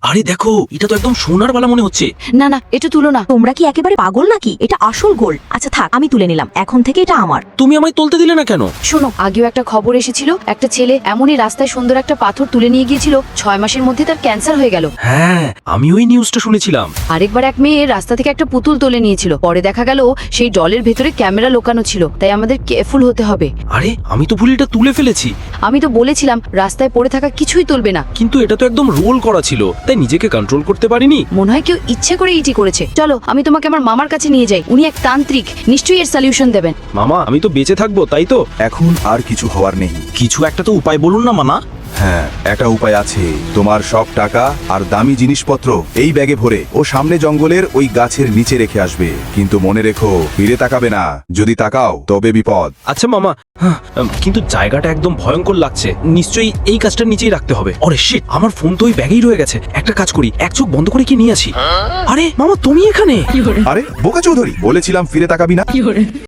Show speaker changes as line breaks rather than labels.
আরে দেখো, এটা তো একদম সোনার বালা মনে হচ্ছে।
না না, এটা তুলো না।
তোমরা কি একেবারে পাগল নাকি? এটা আসল গোল্ড। আচ্ছা থাক, আমি তুলে নিলাম, এখন থেকে এটা আমার।
তুমি আমায় তুলতে দিলে না কেন?
শোনো, আগেও একটা খবর এসেছিল, একটা ছেলে এমনই রাস্তায় সুন্দর একটা পাথর তুলে নিয়ে গিয়েছিল, 6 মাসের মধ্যে তার ক্যান্সার হয়ে গেল।
হ্যাঁ, আমি ওই নিউজটা শুনেছিলাম।
আরেকবার এক মেয়ে রাস্তা থেকে একটা পুতুল তুলে নিয়েছিল, পরে দেখা গেল সেই ডলের ভেতরে ক্যামেরা লোকানো ছিল। তাই আমাদের কেয়ারফুল হতে হবে।
আরে, আমি তো ভুল এটা তুলে ফেলেছি।
আমি তো বলেছিলাম রাস্তায় পড়ে থাকা কিছুই তুলবে না।
কিন্তু এটা তো একদম রোল করা ছিল, তাই নিজেকে কন্ট্রোল করতে পারিনি।
মনে হয় কেউ ইচ্ছে করে ইটি করেছে। চলো, আমি তোমাকে আমার মামার কাছে নিয়ে যাই। উনি এক তান্ত্রিক, নিশ্চয়ই এর সলিউশন দেবেন।
মামা, আমি তো বেঁচে থাকবো, তাই তো?
এখন আর কিছু হওয়ার নেই।
কিছু একটা তো উপায় বলুন না মামা।
হ্যাঁ, একটা উপায় আছে। তোমার সব টাকা আর দামি জিনিসপত্র এই ব্যাগে ভরে ও সামনে জঙ্গলের ওই গাছের নিচে রেখে আসবে। কিন্তু মনে রেখো, ফিরে তাকাবে না। যদি তাকাও তবে বিপদ।
আচ্ছা মামা, কিন্তু জায়গাটা একদম ভয়ঙ্কর লাগছে। নিশ্চয়ই এই কাজটার নিচেই রাখতে হবে। আরে শিট, আমার ফোন তো ওই ব্যাগেই রয়ে গেছে। একটা কাজ করি, এক চোখ বন্ধ করে কি নিয়ে আসি। আরে মামা, তুমি এখানে?
আরে বোকা চৌধুরী, বলেছিলাম ফিরে তাকাবি না।